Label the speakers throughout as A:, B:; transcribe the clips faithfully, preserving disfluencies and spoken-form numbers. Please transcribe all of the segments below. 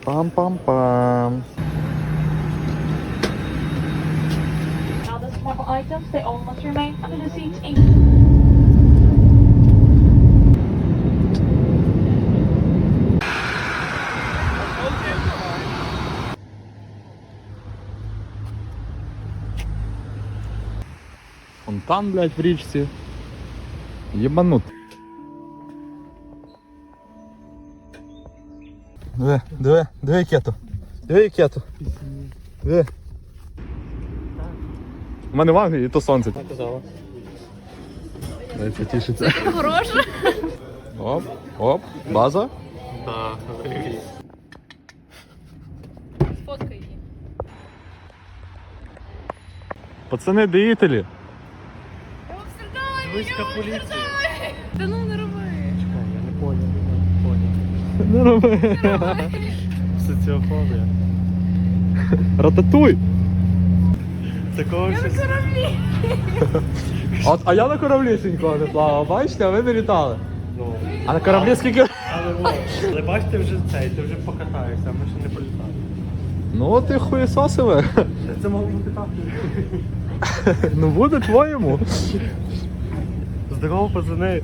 A: Пам-пам-пам.
B: Now the small items, they all must remain under the seats in
A: Фонтан, блядь, в річці. Єбанут. Диви, диви, диви кету. Диви кету. Диви. У мене в Англії то сонце. Це тішиться.
C: Хороше.
A: Оп, оп, база.
D: Так.
C: Сфоткай її.
A: Пацани, деятелі.
D: Війська поліції.
C: Та ну не роби.
D: Чекай, я не поняв, не поняв.
A: Не роби.
D: Соціофобія.
A: Рататуй.
D: Такого щось...
A: От, а я на кораблі ще ніколи не плавав, бачите, а ви не літали.
D: Ну,
A: А на кораблі скільки...
D: але, о, але бачите, вже цей, ти вже покатаєшся, а ми ще не політали.
A: Ну ти хуєсосиве.
D: Це мало бути так.
A: Ну буде твоєму.
D: Здорово, пацани.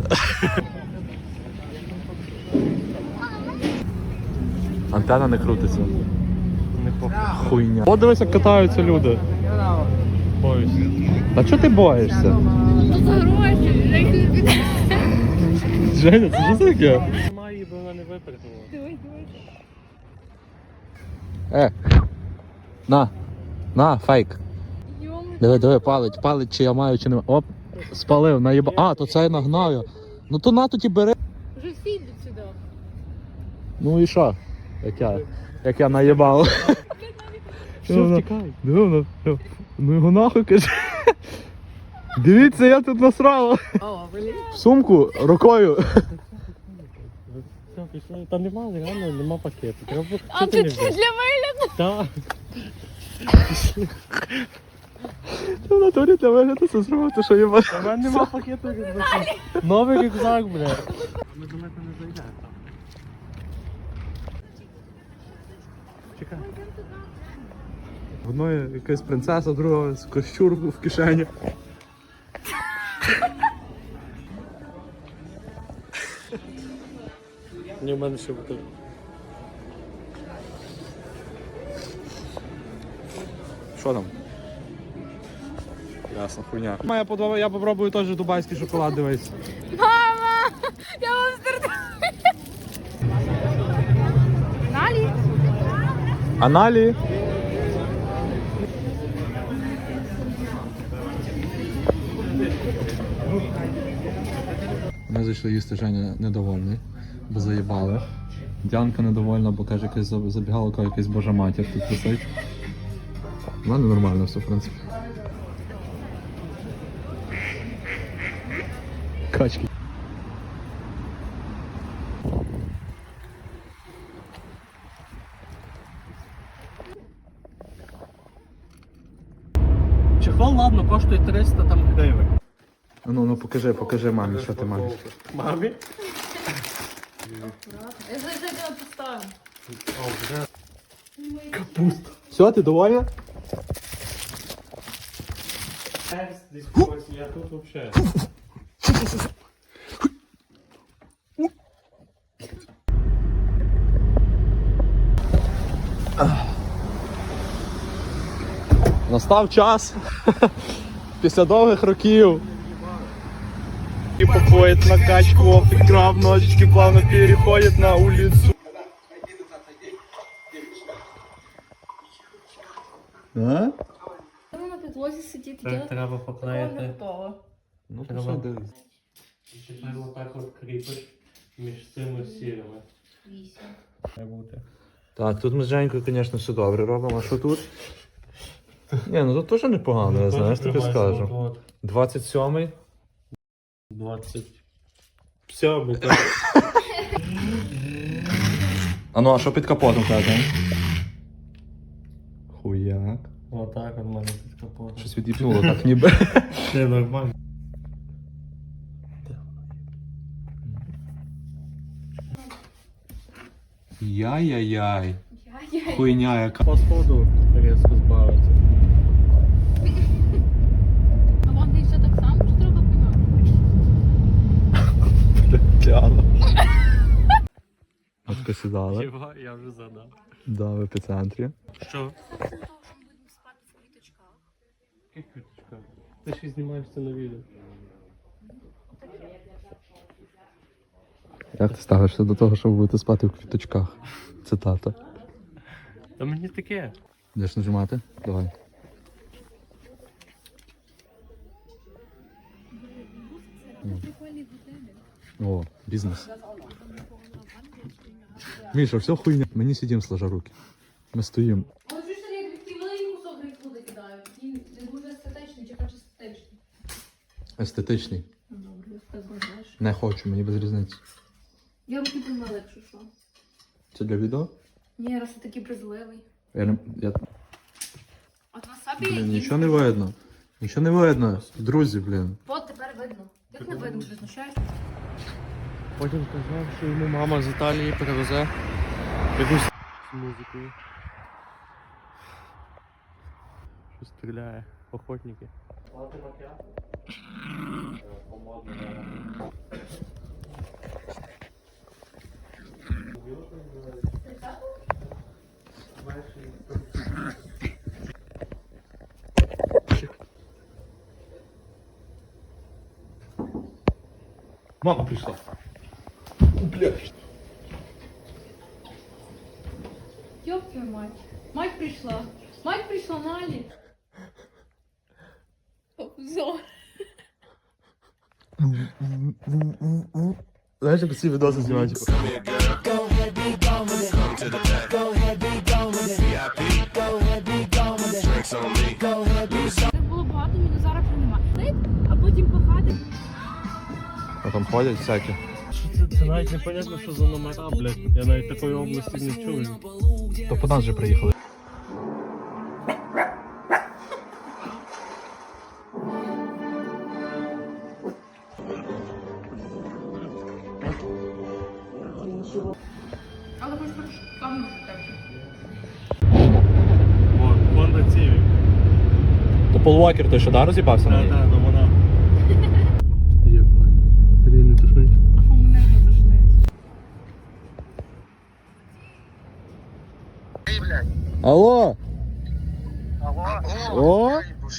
A: Антенна не крутиться.
D: Не похуй.
A: Хуйня. От дивись, як катаються люди.
D: Боюся.
A: Та чого ти боїшся?
C: Тут за гроші. Як ти піде?
A: Женя, це що таке?
D: Немає її, бо вона не випередила.
C: Дивись, дивись.
A: Е. На. На, фейк.
C: Йому.
A: Диви, диви, палить, палить, чи я маю, чи не маю. Оп, спалив, наїба. А, то це я нагнав я. Ну то на тоді бери.
C: Вже всі йдуть сюди.
A: Ну і що? Як я, як я наїбав.
D: Все, втікай.
A: Диви, вона, ну його нахуй каже. Дивіться, я тут насрала.
C: О, блін.
A: В сумку рукою.
D: Все, пішли. Та нема, реально, нема пакету. Треба...
C: А
D: Що
C: ти
D: не
C: для
D: взяв?
C: вигляду?
D: Так.
A: Ти в натурі для вигляду це зробив, ти що їбаш.
D: У мене нема пакету рюкзака. Новий рюкзак, бля. Ми далеко не зайдемо там. Чекай.
A: В одної якась принцеса, друга з кощур в кишені.
D: Ні, в мене ще буде.
A: Що там? Ясно, хуйня. Я, подобаю, я попробую теж дубайський шоколад, дивись.
C: Мама! Я вам стартую. Налі?
A: Аналі. Ми зайшли їсти, Женя недовольний, бо заїбали. Діанка недовольна, бо каже, якась забігалка, якась божа матір тут висить. У мене нормально все, в принципі. Качки.
D: Чехол, ладно, коштує триста там гривень.
A: Ну, ну покажи, покажи мамі, що ти маєш.
D: Мамі?
C: Я зараз тебе поставлю.
D: О, вже.
A: Капуста. Все, ти довольна?
D: Десь когось, я тут вообще.
A: Настав час після довгих років. И походит на качку, прикрав ножички, плавно переходит на улицу. А?
C: Треба на підлозі сидіти,
D: Так,
C: я
D: треба
C: не
D: поклеїти.
C: готова.
A: Ну,
D: Треба.
A: то що дивись.
D: І тепер отак от кріпиш між цими сірими.
C: Вісім.
D: Має бути.
A: Так, тут ми з Женькою, звісно, все добре робимо. А що тут? Ні, ну тут теж непогано, я знаєш, тобі скажу.
D: От,
A: двадцять сьомий.
D: двадцять. Сьомий, так.
A: А ну, а що під капотом тебе? Хуяк.
D: Отак от мене під капотом.
A: Щось від'їбнуло так ніби.
D: Це нормально.
A: Яй-яй-яй.
C: Яй.
A: Хуйня яка.
D: Походу різко збавиться.
C: А вам ти все так само, чи треба пинати?
A: Діана. Отко сідали.
D: Його я вже задав.
A: Да, в епіцентрі.
D: Що? Яка квіточка? Ти ще знімаєш це на відео.
A: Як ти ставишся до того, щоб бути спати в квіточках? Цитата.
D: Та мені таке.
A: Будеш нажимати? Давай. О, бізнес. Міша, все хуйня. Ми не сидимо сложа руки. Ми стоїмо.
C: Ось ж я такий великий кусок грейпфрута кидаю. Він не дуже естетичний, чи хоче естетичний.
A: Естетичний.
C: Добре, так знаєш.
A: Не хочу, мені без різниці.
C: Я руки помила, якщо що.
A: Це для відео?
C: Ні, раз ти такий брезливий.
A: Я не... Я...
C: От на собі...
A: Блін, нічого не видно. Нічого не видно. Друзі, блін.
C: От тепер видно. Як не видно, ти знущаєшся?
D: Потім казав, що йому мама з Італії привезе якусь з музикою. Що стріляє, охотники.
A: Мама прийшла.
C: Ёб твою мать. Мать пришла. Мать пришла на Али. Обзор.
A: Знаєш, як ці відоси знімають? Типу?
C: Так було багато, мінус зараз вже нема. Лип, а потім пахати.
A: А там ходять всякі.
D: Що це? Це навіть не понятно, що за номера, блядь. Я навіть такої області не чую.
A: То по нас вже приїхали.
C: Але хоч хоч там так.
D: О, Honda Civic.
A: То Пол Уокер той що, да, роз'їбався на
D: Так,
A: ній?
D: так, то вона. Єбать. Сергій, не тушнить.
C: А у мене не зашнить.
A: Алло! О!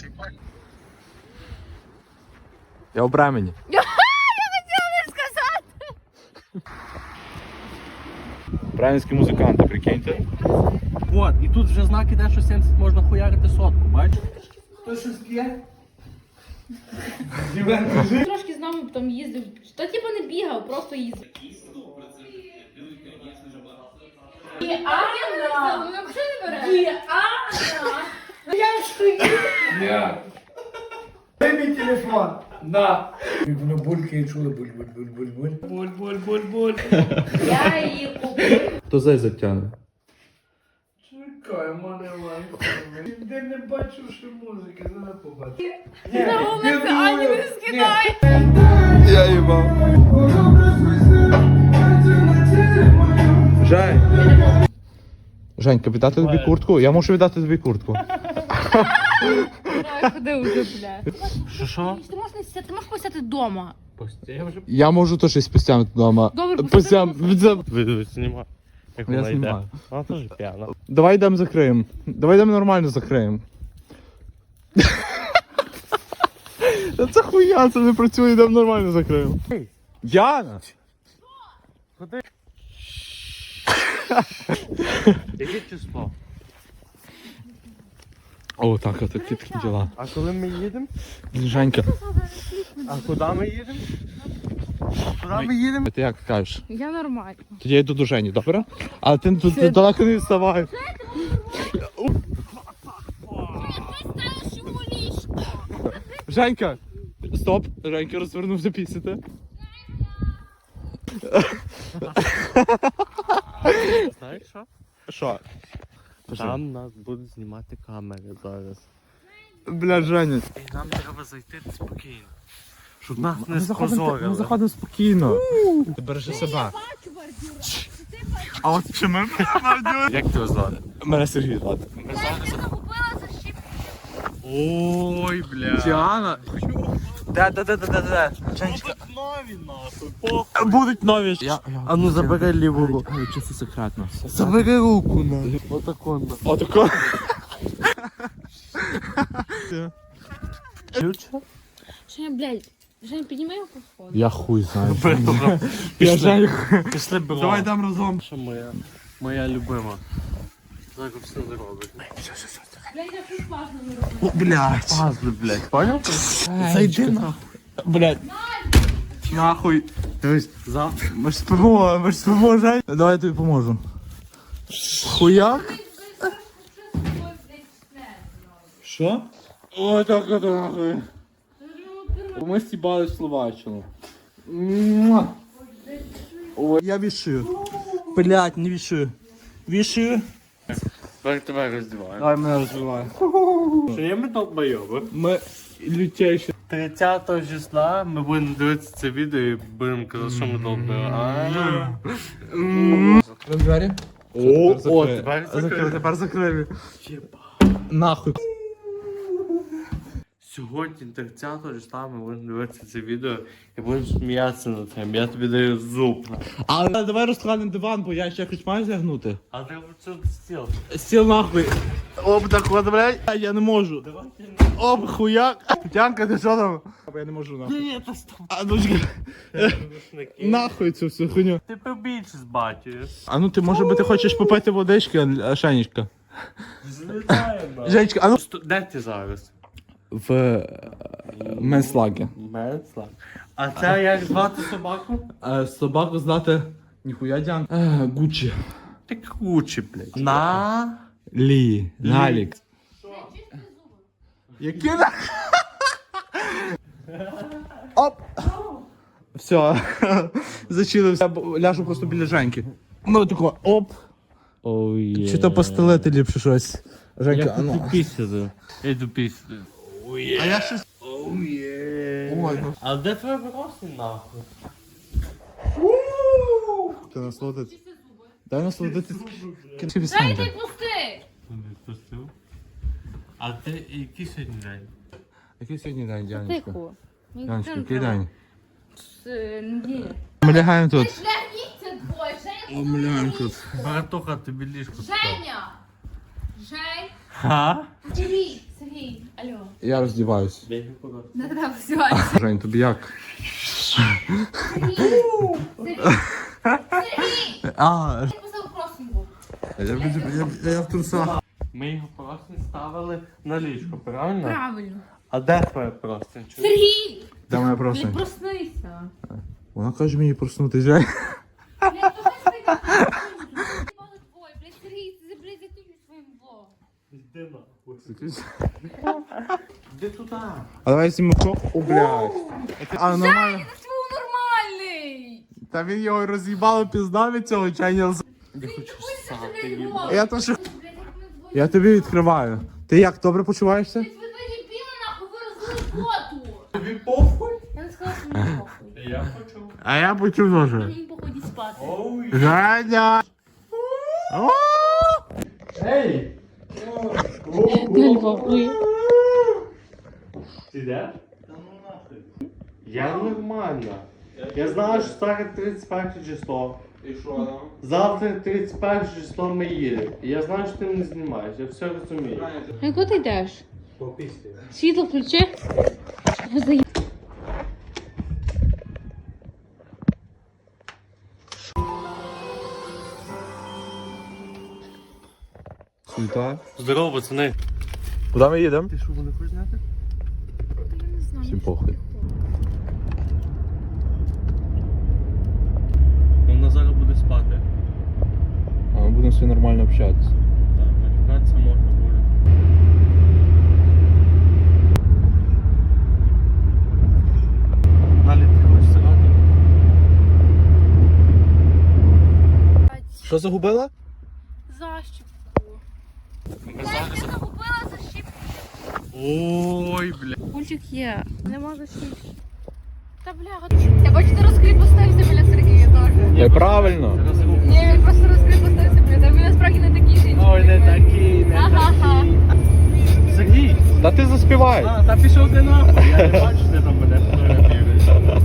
A: Я у Бремені.
C: Я хотіла не сказати.
A: Бременські музиканти, прикиньте.
D: От, і тут вже знак іде, що сімдесят можна хуярити сотку, бачиш?
C: Трошки з нами потім їздив. Та типу не бігав, просто їздив. Діана! Ну взагалі не бере. Діана! Я стою.
E: Дай мій телефон. На. Воно булькає, чули буль-буль-буль-буль-буль.
D: Буль-буль-буль-буль.
C: Я її купив.
A: Хто зай затягне?
E: Чекай, мене лайк. Де не бачу, що музики, зараз побачу.
C: На вулиці Ані не скидай.
A: Я їбав. Жень. Женька, віддати тобі куртку? Я можу віддати тобі куртку.
C: Ходи уже, бля.
D: Що, що?
C: Ти можеш не сидіти, ти можеш посидіти вдома.
D: Пості, я вже...
A: Я можу то щось постягнути вдома.
C: Добре,
A: Постям...
D: Ви знімаю. Як
A: Я
D: вона йде.
A: знімаю.
D: Вона теж п'яна.
A: Давай йдемо закриємо. Давай йдемо нормально закриємо. Та це хуя, це не працює, йдемо нормально закриємо. Яна!
D: Ходи. Яке число?
A: О, так, от такі такі діла.
D: А коли ми їдемо?
A: Женька,
D: А куди ми їдемо? Куди ми їдемо?
A: ти як кажеш?
C: Я нормально.
A: Тоді я йду до Жені, добре? Але ти тут далеко не відставай. Женька! Стоп! Женька розвернувся пісяти.
D: Знаєш що?
A: Що?
D: Там нас будуть знімати камери зараз.
A: Бля, Женя.
D: І нам треба зайти спокійно. Щоб нас не
A: Ми заходимо, ми
D: спозорили.
A: заходимо спокійно. Ти бережи себе.
C: Бачу бордюра. Ти
A: А от чи ми Як тебе звати? Мене Сергій звати.
D: Ой, бля.
A: Діана. Де, де, де, де, де, де? Женечка. Будуть нові. Я, я.
D: А ну забери ліву руку.
A: Чисто секретно.
D: Забери руку на. Отако на.
A: Отако.
C: Женя, блядь, Женя, підніми його по сходу.
A: Я хуй знаю.
D: Я
A: Женю.
D: Пішли бро.
A: Давай дам разом.
D: Що моя, моя любима. Так все зробить.
C: Блядь, я щось важно не роблю.
A: О, блядь.
D: Пазли, блядь, понял?
A: Зайди нахуй. Блядь. Нахуй.
D: Дивись, завтра.
A: Ми ж спимо, ми ж спимо, Жень. Давай я тобі поможу. Хуяк? Що? Ой, так от нахуй. Ми стібали в Словаччину. Муа. Ой, я вішую. Блядь, не вішую. Вішую.
D: Тепер тебе роздіваю.
A: Давай мене розвивай.
D: Що є ми долбойоби?
A: Ми лютейші.
D: тридцятого числа ми будемо дивитися це відео і будемо казати, що ми долбойоби.
A: Двері?
D: О,
A: Тепер
D: о,
A: закрили.
D: тепер
A: Закрили,
D: закрили.
A: тепер закрили. Нахуй.
D: Сьогодні, тридцятого числа, ми будемо дивитися це відео і будемо сміятися над тим. Я тобі даю зуб.
A: Але давай розкладемо диван, бо я ще хоч маю зягнути.
D: А треба це стіл.
A: Стіл нахуй. Оп, так от, блядь. Я не можу. Оп, хуяк. Тянка, ти що там? Я не можу нахуй.
D: Ні, та стоп.
A: А ну чекай. Нахуй цю всю хуйню.
D: Ти побільше з батькою.
A: А ну ти, може би, ти хочеш попити водички, а, Шенечка?
D: Злітаємо.
A: Женечка, а ну.
D: Де ти зараз?
A: В менслагі.
D: Менслак. А це як звати собаку?
A: Собаку знати ніхуя Дян. Гуччі.
D: Ти круче, блядь. На.
A: Лі. Налік. Які на... Оп! Все. Зачилився. Ляжу просто біля Женьки. Ну тако, оп.
D: Оує.
A: Чи то постелити ліпше щось. Женька,
D: Я
A: а ну.
D: хочу пісяти. Я йду пісяти. Оує.
A: А я щось...
D: Оує.
A: Ой, ну.
D: А де твоя виросла нахуй?
A: Ти насолодити. Дай насолодити.
C: Дай ти пусти!
D: Не пустив. А ти який сьогодні день?
A: Який сьогодні день, Дянечка?
C: Тихо.
A: Дянечка, який день?
C: З неділі.
A: Ми лягаємо тут.
C: Шляхніться двоє, Женя!
A: Ми лягаємо тут.
D: Братуха, тобі ліжко стало.
C: Женя! Жень!
D: Ха?
C: Сергій! Сергій! Алло.
A: Я роздіваюсь.
C: Не треба взиватися.
A: Жень, тобі як?
C: Сергій! Сергій! Сергій!
A: А,
C: Я писав просинку.
A: я, я, я, я в трусах.
D: Ми його просто ставили на ліжко, правильно?
C: Правильно.
D: А де твоя простинь?
C: Сергій!
A: Де моя
C: Блядь,
A: просто?
C: проснися.
A: Вона каже мені проснути, Жень.
C: Блядь, то хай спить. Двоє, блядь, Сергій, ти, блядь, закінчуй своїм влогом.
D: Йди нахуй. Іди туди.
A: А давай знімемо. О, блядь. А, нормально.
C: Ти був нормальний!
A: Та він його роз'їбало пізда від цього чайня.
D: Я хочу ссати,
C: Блядь,
D: їбать.
A: Я то що...
C: Блядь, як ми двоє.
A: Я тобі відкриваю. Ти як, добре почуваєшся?
C: Блядь, ви двоє дебіли, нахуй, ви розлили фоту.
D: Тобі похуй?
C: Я не сказала, що мені похуй.
D: Я хочу.
A: А я почув теж.
C: Мені похуй іди спати.
D: Оує.
A: Женя! О!
D: Ей!
C: Блядь, похуй.
D: Ти йдеш? Та ну нахуй. Я нормально. Я знаю, що зараз тридцять перше число.
A: І що там?
D: Завтра тридцять перше число ми їдемо. І я знаю, що ти мене знімаєш, я все розумію.
C: А куди ти йдеш?
D: Попісти.
C: Світло включи. Ви заї...
A: Суета.
D: Здорово, пацани.
A: Куди ми їдемо?
D: Ти що, не хочеш зняти?
A: Всім похуй.
D: Вона зараз буде спати.
A: А ми будемо все нормально общатися.
D: Так, матюкатися можна буде. Далі ти хочеш сирати?
A: Що загубила?
C: Защіпку. Я загубила защіпку.
D: Ой, бля.
C: Пульчик є. Нема защіпки. Та бля, я бачу, ти розкріпостився біля Сергія теж.
A: Неправильно.
C: Ні, він просто трохи не такі жінки.
D: Ой, не такий, не
C: Ага-ха.
D: Сергій!
A: Та ти заспівай.
D: А, та пішов ти нахуй. Я не бачу, ти там мене фотографіруєш.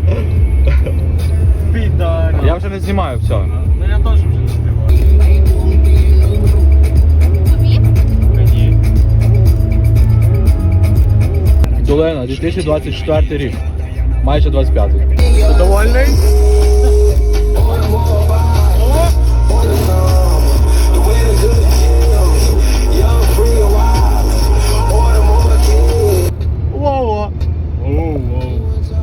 D: Підар.
A: Я вже не знімаю, все.
D: Ну я теж вже не співаю.
C: Тобі?
D: Мені.
A: Долина, дві тисячі двадцять четвертий рік. Майже двадцять п'ятий.
D: Ти довольний?
A: Вова.
D: Оу-оу.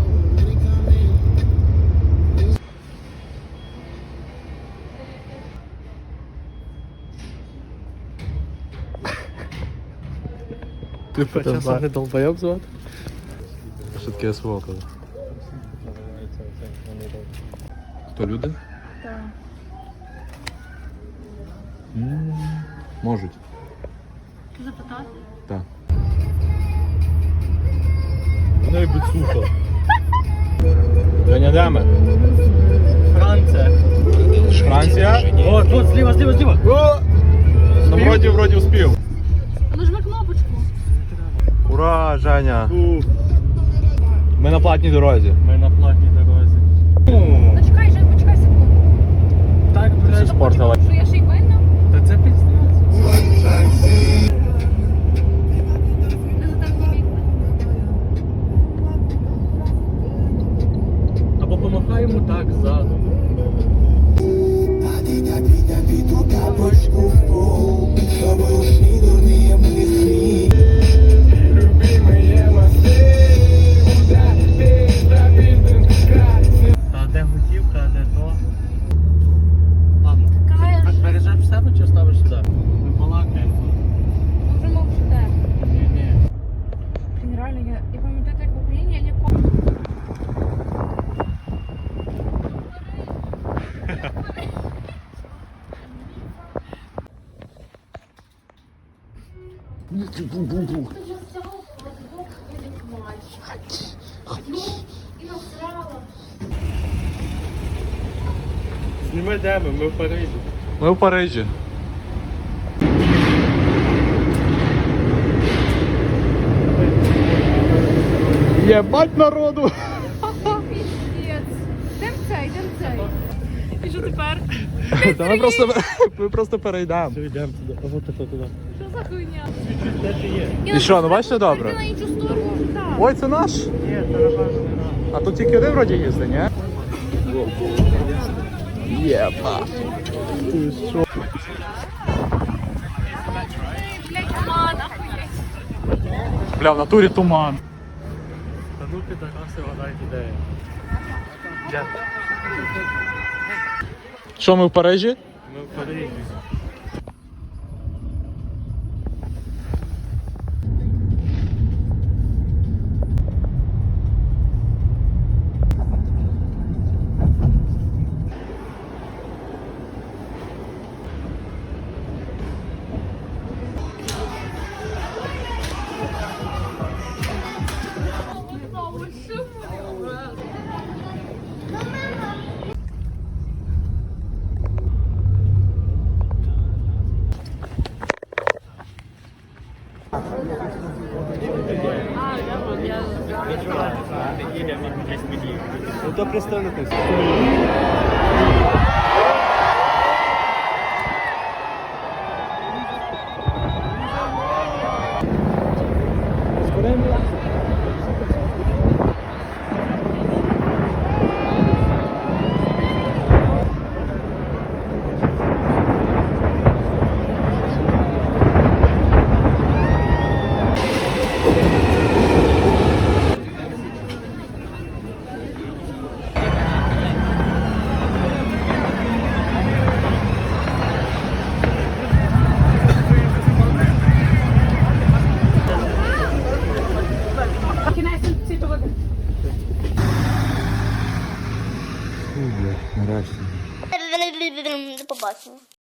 A: Ти
D: Часом не долбойоб звати?
A: Що таке СВО казав? Хто люди?
C: Так.
A: М, Можуть.
C: Ти запитати?
A: Так.
D: Вона й бицуха.
A: Женя, де ми?
D: Франція.
A: Франція?
D: О, тут, зліва, зліва, зліва.
A: Ну, вроді, вроді успів.
C: Нажми кнопочку.
A: Ура, Женя!
D: У,
A: Ми на платній дорозі.
D: Ми на платній дорозі.
C: Та чекай, Жень, почекай секунду.
D: Так,
A: Все
D: блядь.
A: спортила.
C: Що я ще й винна?
D: Та це піздець.
C: Не затерпні вікна.
D: Або помахаємо так ззаду. Та де готівка, а де то. Ладно.
C: Каєш.
D: Бережеш в себе чи ставиш сюди? Ми балакаємо.
C: Ми вже мовчите.
D: Ні, ні.
C: Блін, реально, я, я пам'ятаю, як в Україні я ніколи...
D: Зніми де ми, ми в Парижі.
A: Ми в Парижі. Єбать народу!
C: Піздець. Йдем цей, йдем цей. І що тепер?
A: Та ми просто, ми просто перейдемо.
D: Все, йдемо туди. А от це туди.
C: Що за хуйня?
D: Де ти є?
A: І що, ну бачите добре?
C: Ти на іншу сторону. Так.
A: Ой, це наш?
D: Ні, це напевно не нам.
A: А тут тільки один вроді їздить, ні? Єба. Ти що?
C: Блять, туман, охуєть.
A: Бля, в натурі туман.
D: Та ну підараси, вгадай ідея. Де?
A: Що, ми в Парижі?
D: Ми в Парижі.
A: Ну то представитись. Нарешті.
F: До побачення.